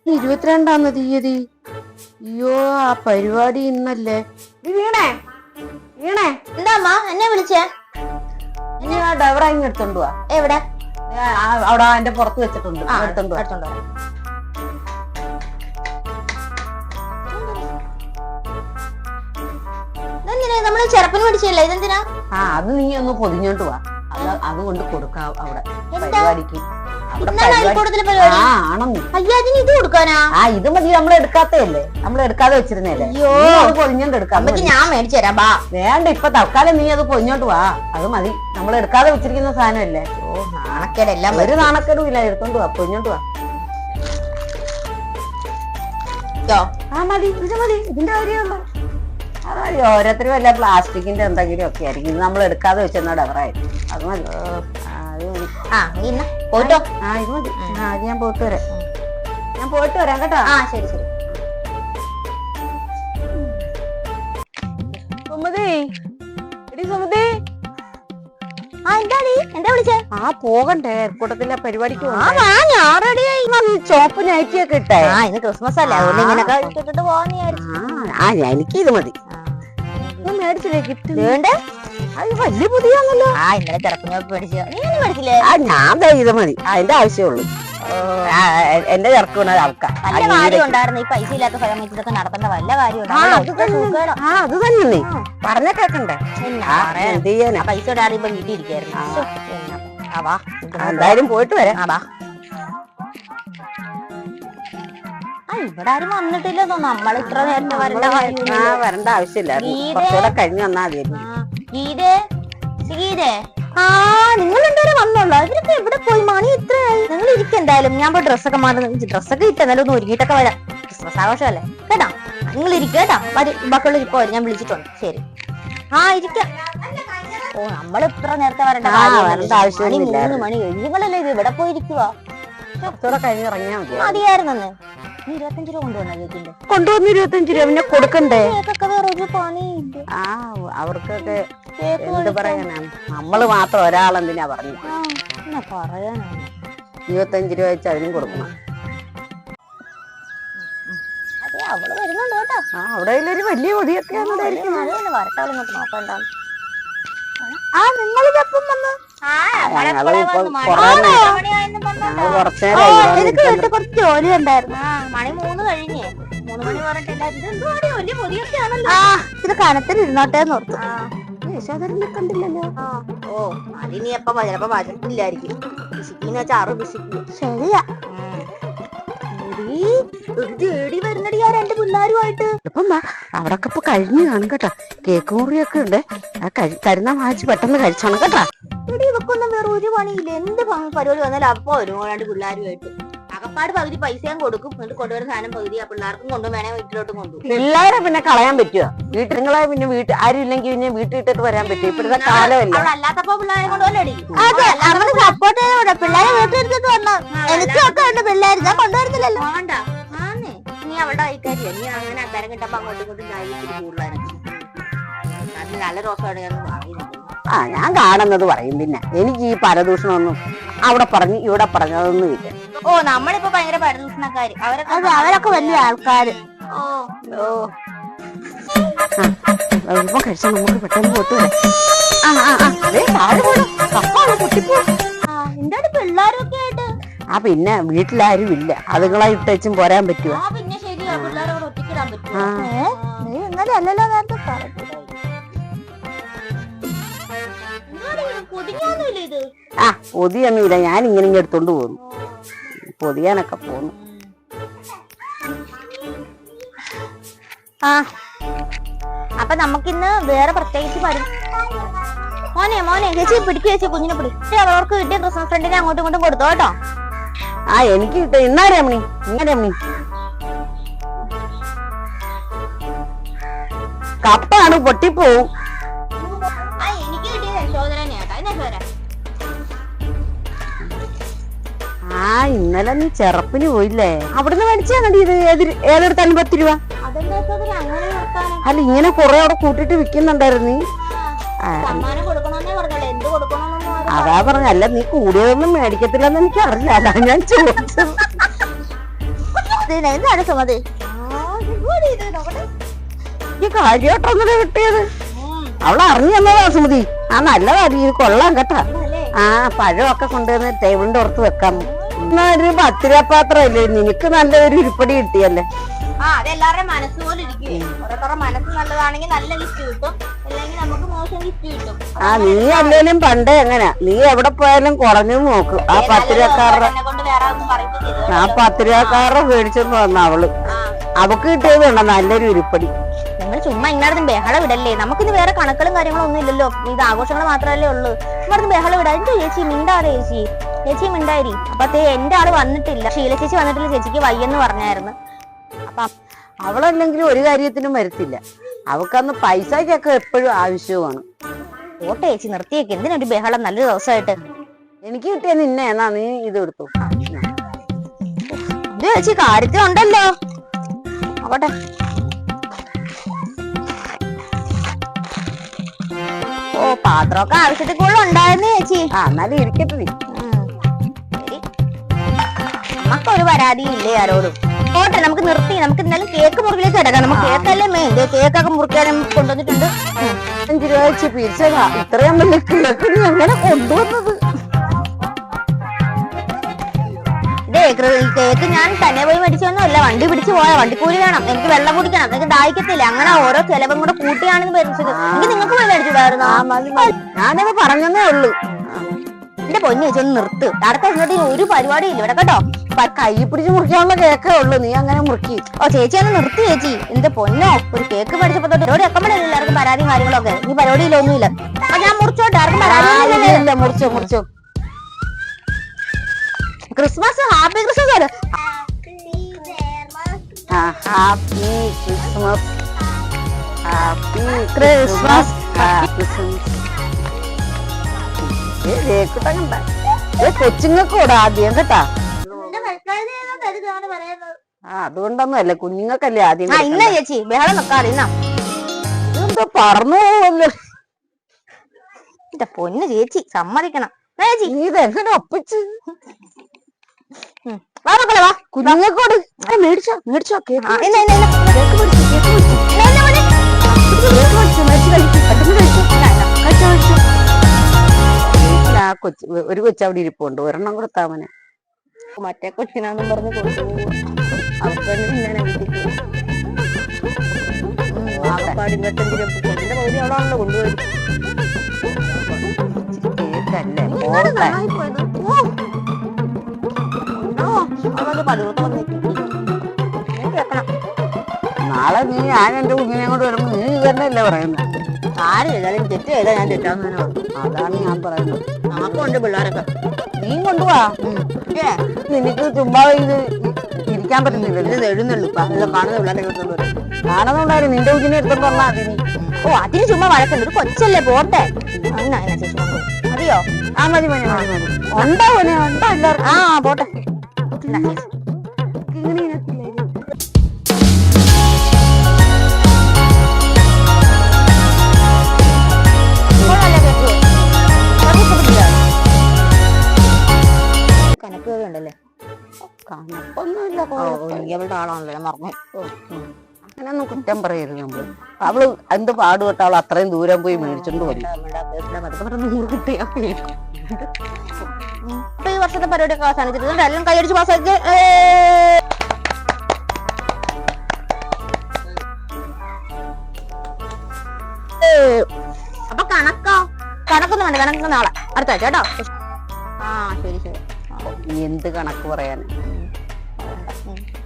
22-ാം തീയതി. അയ്യോ, ആ പരിപാടി ഇന്നല്ലേ. വീണേ വീണേ, എന്താ അമ്മ എന്നെ വിളിച്ചേ? നീ ആ ഡ്രൈവർ അങ്ങ് എടുത്തോണ്ട് പോവാ. എവിടെ? അവിടെ എന്റെ പുറത്ത് വെച്ചിട്ടുണ്ട്, എടുത്തോണ്ട് പോവാ. നമ്മള് ചെറുപ്പന് പഠിച്ചല്ലേ, ഇതെന്തിനാ? അത് നീ ഒന്ന് പൊതിഞ്ഞോണ്ട് പോവാ. അതുകൊണ്ട് കൊടുക്കാം അവിടെ പരിപാടിക്ക്. ഇത് കൊടുക്കാനാ? ഇത് മതി, നമ്മൾ എടുക്കാത്തല്ലേ, നമ്മൾ എടുക്കാതെ വെച്ചിരുന്നല്ലേ. പൊതിഞ്ഞോണ്ട് എടുക്കാം. ഞാൻ മേടിച്ചു തരാം. ബാ. വേണ്ട, ഇപ്പൊ തൽക്കാലം നീ അത് പൊതിഞ്ഞോണ്ട് വാ. അത് മതി, നമ്മൾ എടുക്കാതെ വെച്ചിരിക്കുന്ന സാധനമല്ലേ. നാണക്കേടെല്ലാം ഒരു നാണക്കേടും ഇല്ല. എടുത്തോണ്ട് വാ, പൊതിഞ്ഞോണ്ട് വാ. മതി, ഇത് മതി, ഇതിന്റെ കാര്യമുള്ളൂ. അതായത് ഓരോരുത്തരും വല്ല പ്ലാസ്റ്റിക്കിന്റെ എന്തെങ്കിലും ഒക്കെ ആയിരിക്കും. ഇത് നമ്മൾ എടുക്കാതെ വെച്ചെന്നാ ഡബറായിരിക്കും. അത് മതി. പോയിട്ടോ. ഇത് മതി. അത് ഞാൻ പോയിട്ട് വരാം. ഞാൻ പോയിട്ട് വരാം കേട്ടോ. ശരി ശരി. സുമതി, എടി സുമതി. എന്താടി? എന്താ വിളിച്ചേ? പോകണ്ടേ എയർപോർട്ടത്തിലെ പരിപാടിക്ക്? ചോപ്പ് നൈറ്റിയൊക്കെ ഇട്ടേ. ഇന്ന് ക്രിസ്മസ് അല്ലേ, അതുകൊണ്ട് ഇങ്ങനൊക്കെ ഇട്ടിട്ട് പോവാന്ന് വിചാരിച്ചു. എനിക്ക് ഇത് മതി. ഞാൻ മേടിച്ചില്ലേ ഗിഫ്റ്റ്? വേണ്ടേ? അത് വലിയ പുതിയാണല്ലോ. ഇന്നലെ ചെറുപ്പം മേടിച്ചു. നീ ഒന്നും മേടിച്ചില്ലേ? ഞാൻ ഇത് മതി, അതിന്റെ ആവശ്യമുള്ളൂ. എന്റെ ചെറുക്കുന്ന ആൾക്കാർ നല്ല കാര്യം ഉണ്ടായിരുന്നു. ഈ പൈസ ഇല്ലാത്ത സമയത്ത് ഇതൊക്കെ നടത്തേണ്ട വല്ല കാര്യം. അത് തന്നെ പറഞ്ഞ കേക്കണ്ടേ. എന്ത് ചെയ്യാനാ, പൈസ ഇടാറിയുമ്പോ വീട്ടിൽ ഇരിക്കായിരുന്നു. എന്തായാലും പോയിട്ട് വരാം. ഇവിടെ ആരും വന്നിട്ടില്ല. നമ്മൾ ഇത്ര നേരത്തെ വരേണ്ട ആവശ്യമില്ല. കുറച്ചുകൂടെ കഴിഞ്ഞ് വന്നാ മതിയായിരുന്നു. ഗീതേ, ഗീതേ, നിങ്ങൾ രണ്ടുപേരും വന്നോളൂ. ഇവരൊക്കെ എവിടെ പോയി? മണി ഇത്രയായി. നിങ്ങൾ ഇരിക്കും എന്തായാലും. ഞാൻ പോയി ഡ്രസ്സൊക്കെ മാറുന്ന, ഡ്രസ്സൊക്കെ ഇട്ടെന്നാലും ഒന്ന് ഒരുങ്ങിയിട്ടൊക്കെ വരാം. ക്രിസ്മസ് ആഘോഷമല്ലേ കേട്ടാ. നിങ്ങൾ ഇരിക്കുക കേട്ടാ. ബാക്കിയുള്ള ഇപ്പൊ ഞാൻ വിളിച്ചിട്ടുണ്ട്. ശരി, ഇരിക്കാം. നമ്മൾ ഇത്ര നേരത്തെ വരേണ്ട ആവശ്യമില്ല. 3 മണി കഴിഞ്ഞ് നിങ്ങളല്ലേ ഇത് ഇവിടെ പോയിരിക്കുവാ. കുറച്ചുകൂടെ കഴിഞ്ഞ് ഇറങ്ങിയാ മതി. മതിയായിരുന്നെ. 25 രൂപ കൊണ്ടുവന്ന കേക്കിന്റെ. കൊണ്ടുവന്ന് 25 രൂപ പിന്നെ കൊടുക്കണ്ടേ? വേറൊരു പണിയില്ല. അവർക്കൊക്കെ എന്ത് പറയാനാ, നമ്മള് മാത്രം ഒരാളെന്തിനാ പറഞ്ഞു പറയാനാണ്. 25 രൂപ വെച്ച് അതിനും കൊടുക്കണം. അതെ, അവള് വരുന്നുണ്ട് കേട്ടോ. അവിടെ ഒരു വലിയ പൊതിയൊക്കെയാണ്. വരട്ടാളിങ്ങോട്ട് നോക്കണ്ടാ. നിങ്ങളിപ്പം വന്ന് കുറച്ച് ജോലി ഉണ്ടായിരുന്നു. മണി 3 കഴിഞ്ഞേ. 3 മണി പറഞ്ഞിട്ടില്ല. ഇത് കനത്തിലിരുന്നോട്ടെ ഓർത്തു. കണ്ടില്ലല്ലോ. അതിനി എപ്പ ചിലപ്പോ വരട്ടില്ലായിരിക്കും. പിശിക്കിന്ന് വെച്ചാൽ 6 പിശിക്കും. ശരിയാ. വരുന്നടി ആ 2 പിള്ളേരുമായിട്ട്. ഇപ്പം അവിടൊക്കെ ഇപ്പൊ കഴിഞ്ഞു കാണും കേട്ടോ. കേക്ക് മുറിയൊക്കെ ഉണ്ട്. കരുന്നാ വാങ്ങിച്ച് പെട്ടെന്ന് കഴിച്ചോണം കേട്ടോ. ഇവിടെ ഇവക്കൊന്നും വേറെ ഒരു പണിയില്ല. എന്ത് പരിപാടി വന്നാലും അപ്പൊ വരും 2 പിള്ളേരുമായിട്ട്. അകപ്പാട് പകുതി പൈസയും കൊടുക്കും. എന്നിട്ട് കൊണ്ടുവരുന്ന സാധനം പകുതി ആ പിള്ളേർക്കും കൊണ്ടു വേണേ വീട്ടിലോട്ടും കൊണ്ടുപോകും. പിള്ളേരെ പിന്നെ കളയാൻ പറ്റുമോ? നിങ്ങളെ പിന്നെ ആരും ഇല്ലെങ്കിൽ പിന്നെ വീട്ടിൽ ഇട്ടിട്ട് വരാൻ പറ്റും. ഇപ്പോഴത്തെ കാലമല്ല. അല്ലാത്തപ്പോ പിള്ളേരെ കൊണ്ടുപോലടി. അതെ, നമ്മള് സപ്പോർട്ട് ചെയ്ത പിള്ളേരെ വീട്ടിലെടുത്തിട്ട് വന്നു. എനിക്കൊക്കെ ഉണ്ട് പിള്ളേർ. ഞാൻ കൊണ്ടുവരുന്നില്ലല്ലോ. വേണ്ട, നീ അവളുടെ കൈക്കാരില്ല. നീ അങ്ങനെ അക്കാരം കിട്ടപ്പോ അങ്ങോട്ടും ഇങ്ങോട്ടും കൂടുതലായിരുന്നു. അത് നല്ല റോസാണ് ഞാൻ വാങ്ങിയത്. ഞാൻ കാണുന്നത് പറയും. പിന്നെ എനിക്ക് ഈ പരദൂഷണമൊന്നും അവിടെ പറഞ്ഞു ഇവിടെ പറഞ്ഞതൊന്നും ഇല്ല. നമ്മളിപ്പോ ഭയങ്കര പരദൂഷണക്കാര്. അവരൊക്കെ വലിയ ആൾക്കാര്. ഇപ്പൊ കഴിച്ചാൽ നമുക്ക് പെട്ടെന്ന് പോട്ട് എന്താണ് പിള്ളേരൊക്കെ ആയിട്ട്? പിന്നെ വീട്ടിലാരും ഇല്ല. അതുങ്ങളെ ഇട്ടും പോരാൻ പറ്റുമോ? പിന്നെ ശരിയാ, പിള്ളേരോട് ഒറ്റക്കിടാൻ പറ്റുമോ? എന്നാലും അല്ലല്ലോ നേരത്തെ പറഞ്ഞു. പൊതിയൊന്നുമില്ല. ഞാൻ ഇങ്ങനെ എടുത്തോണ്ട് പോന്നു. പൊതിയാനൊക്കെ പോന്നു. അപ്പൊ നമുക്കിന്ന് വേറെ പ്രത്യേകിച്ച് മോനെ ചേച്ചി പിടിക്കുക. ചേച്ചി കുഞ്ഞിനെ പിടിച്ച് അവർക്ക് കിട്ടിയ ക്രിസ്മസ് ഫ്രണ്ടിനെ അങ്ങോട്ടും ഇങ്ങോട്ടും കൊടുത്തോ കേട്ടോ. എനിക്ക് കിട്ടും. ഇന്നാരേ മണി കപ്പാണ്, പൊട്ടിപ്പോവും. എനിക്ക് കിട്ടിയത് യശോധരനെയാ. ഇന്നലെ നീ ചെറുപ്പിന് പോയില്ലേ? അവിടുന്ന് മേടിച്ചാ മതി. ഇത് ഏതെടുത്താണ് 10 രൂപ? അല്ല, ഇങ്ങനെ കൊറേ അവിടെ കൂട്ടിട്ട് വിൽക്കുന്നുണ്ടായിരുന്നു. അതാ പറഞ്ഞ. അല്ല, നീ കൂടിയതൊന്നും മേടിക്കത്തില്ലെന്ന് എനിക്ക് അറിയില്ല. അതാ ഞാൻ ചോദിച്ചത്. എന്താണ് സുമതി ഈ കാര്യമായിട്ടൊന്നല്ലേ കിട്ടിയത്? അവള് അറിഞ്ഞു തന്നതാ സുമതി. ആ നല്ലതാ, ഇത് കൊള്ളാം കേട്ടാ. ആ പഴമൊക്കെ കൊണ്ടുവന്ന് ടേബിളിന്റെ പുറത്ത് വെക്കാം. എന്നാ ഒരു 10 രൂപ പാത്രമല്ലേ, നിനക്ക് നല്ലൊരു ഉരുപ്പടി കിട്ടിയല്ലേ. ആ അതെല്ലാവരുടെയും മനസ്സ് പോലെ ഇരിക്കും. ഓരോരുത്തരുടെ മനസ്സ് നല്ലതാണെങ്കിൽ നല്ല ഗിഫ്റ്റ് കിട്ടും, അല്ലെങ്കിൽ നമുക്ക് മോശം ഗിഫ്റ്റ് കിട്ടും. ആ നീ അല്ലേലും പണ്ടേ എങ്ങനെയാ, നീ എവിടെ പോയാലും കുറഞ്ഞു നോക്കും. ആ 10 രൂപക്കാരുടെ കൊണ്ട് വേറെ ഒന്നും പറയുന്നത്. ആ 10 രൂപക്കാരുടെ മേടിച്ചെന്ന് വന്ന അവള്, അവക്ക് കിട്ടിയത് വേണ്ട നല്ലൊരു ഉരുപ്പടി. നിങ്ങൾ ചുമ്മാ ഇങ്ങാടും ബഹളം വിടല്ലേ. നമുക്കിന്ന് വേറെ കണക്കുകളും കാര്യങ്ങളും ഒന്നും ഇല്ലല്ലോ, ഇത് ആഘോഷങ്ങൾ മാത്രമല്ലേ ഉള്ളൂ. ഇവിടുന്ന് ബഹളം വിടാ. എന്റെ ചേച്ചി മിണ്ടാതെ, ചേച്ചി മിണ്ടായി. അപ്പത്തേ എന്റെ ആള് വന്നിട്ടില്ല, ഷീല ചേച്ചി വന്നിട്ടില്ല, ചേച്ചിക്ക് വയ്യെന്ന് പറഞ്ഞായിരുന്നു. അപ്പൊ അവളല്ലെങ്കിലും ഒരു കാര്യത്തിനും വരത്തില്ല. അവക്കന്ന് പൈസക്കൊക്കെ എപ്പോഴും ആവശ്യമാണ്. ഓട്ടെ ചേച്ചി നിർത്തിയേക്ക്, എന്തിനൊരു ബഹളം നല്ലൊരു ദിവസമായിട്ട്. എനിക്ക് കിട്ടിയ നിന്നെ എന്നാ നീ ഇത് എടുത്തു. ഇത് ചേച്ചി കാര്യത്തിലുണ്ടല്ലോ. ആവട്ടെ. ഓ പാത്രമൊക്കെ ആവശ്യത്തിൽ കൂടുതൽ ഉണ്ടായിരുന്നു ചേച്ചി. ആ എന്നാലും ഇരിക്കട്ടെ നീ. നമുക്കൊരു പരാതിയും ഇല്ലേ ആരോടും. ഓട്ടെ നമുക്ക് നിർത്തി, നമുക്ക് എന്തായാലും കേക്ക് മുറിക്കിലേക്ക് കിടക്കാം. നമുക്ക് കേക്കല്ലേ മെയിൻ. കേക്കൊക്കെ മുറിക്കാനും കൊണ്ടുവന്നിട്ടുണ്ട്. 5 രൂപ വെച്ച് പിരിച്ചതാ. ഇത്രയും വലിയ കേക്ക് നീ എങ്ങനെ കൊണ്ടുവന്നത്? കേക്ക് ഞാൻ തന്നെ പോയി മേടിച്ചൊന്നുമല്ല, വണ്ടി പിടിച്ചു പോയാ. വണ്ടിക്കൂലി വേണം, എനിക്ക് വെള്ളം കുടിക്കണം, എനിക്ക് ദാഹിക്കത്തില്ല. അങ്ങനെ ഓരോ ചെലവും കൂടെ കൂട്ടിയാണെന്ന് മേടിച്ചത്. എനിക്ക് നിങ്ങൾക്ക് പോയി മേടിച്ചിട്ടായിരുന്നു. ഞാനത് പറഞ്ഞതേ ഉള്ളൂ. എന്റെ പൊന്നു ചേച്ചി ഒന്ന് നിർത്ത്. അടുത്ത എന്നിട്ട് ഒരു പരിപാടി ഇല്ല ഇവിടെ കേട്ടോ. കൈ പിടിച്ച് മുറിക്കാനുള്ള കേക്കേ ഉള്ളു, നീ അങ്ങനെ മുറുക്കി. ഓ ചേച്ചി ഒന്ന് നിർത്തി ചേച്ചി. എന്റെ പൊന്നോ, ഒരു കേക്ക് മേടിച്ചപ്പോ തൊട്ട് ഒരു അക്കമ്പടിയില്ല എല്ലാവർക്കും പരാതിയും കാര്യങ്ങളൊക്കെ. ഈ പരിപാടിയില്ല ഒന്നുമില്ല. അപ്പൊ ഞാൻ മുറിച്ചോട്ടെ, ആർക്കും പരാതി. മുറിച്ചോ മുറിച്ചോ. Christmas, happy Christmas. Happy Christmas, happy Christmas, happy Christmas. കൊച്ചുങ്ങൾക്ക് കൂടെ ആദ്യം കേട്ടാ. അതുകൊണ്ടൊന്നും അല്ല, കുഞ്ഞുങ്ങൾക്കല്ലേ ആദ്യം. ഇന്ന ചേച്ചി ബഹളം വെക്കാതെ ഇന്നാ. ഇതെന്താ പറഞ്ഞു പോവല്ലോ. എന്റെ പൊന്ന് ചേച്ചി സമ്മതിക്കണം ചേച്ചി. നീ ഇതെങ്ങനെ ഒപ്പിച്ച്? കുഞ്ഞുങ്ങൾക്കോട് മേടിച്ചോ മേടിച്ചോ. ഒരു കൊച്ചവിടെ ഇരിപ്പുണ്ട്, ഒരെണ്ണം കൊടുത്താമനെ. മറ്റേ കൊച്ചിനാന്നും പറഞ്ഞ് കൊടുത്തു. അവർക്ക് ഇങ്ങനെ ആകപ്പാട് 25 രൂപ കൊച്ചിന്റെ പകുതി അവളാണല്ലോ കൊണ്ടുപോയി. കേക്കല്ലേ നാളെ നീ ഞാൻ എന്റെ കുഞ്ഞിനെ കൊണ്ട് വരുമ്പോ നീ തന്നെയല്ലേ പറയുന്നത്. ആര് ചെയ്താലും തെറ്റ് ചെയ്താൽ ഞാൻ തെറ്റാന്ന് തന്നെ പറഞ്ഞു. അതാണ് ഞാൻ പറയുന്നത്. നമുക്കുണ്ട് പിള്ളേരൊക്കെ. നീ കൊണ്ടുപോവാ. നിനക്ക് ചുമ്മാ ഇത് ഇരിക്കാൻ പറ്റുന്നില്ല. എഴുന്നള്ളൂ കാണുന്ന പിള്ളേരെ കാണുന്നുണ്ടായിരുന്നു. നിന്റെ കുഞ്ഞിനെ എടുത്തോണ്ട് വന്നാ അതിന്. ഓ അതിന് ചുമ്മാ വഴക്കുണ്ട്. ഒരു കൊച്ചല്ലേ പോട്ടെ. ചേച്ചി മതിയോ? ആ മതി മതി മതി മതി. ഉണ്ടോ ഉണ്ടോ എല്ലാവർക്കും? ആ പോട്ടെ. കണക്കുകളുണ്ടല്ലേ? കണക്കൊന്നുമില്ല. അവളുടെ ആളാണല്ലോ, ഞാൻ മറന്നു. അങ്ങനെയൊന്നും കുറ്റം പറയരുത് നമ്മള്. അവള് എന്ത് പാടുപെട്ട അവൾ അത്രയും ദൂരം പോയി മേടിച്ചോണ്ട് പോയി. ഈ വർഷത്തെ പരിപാടിയൊക്കെ അവസാനിച്ചിട്ടുണ്ട്. എല്ലാം കൈയടിച്ച് പാസ്സാക്കി. അപ്പൊ കണക്കൊന്നും വേണ്ട. കണക്ക് നാളെ അടുത്ത ആഴ്ച കേട്ടോ. ആ ശരി ശരി. എന്ത് കണക്ക് പറയാൻ?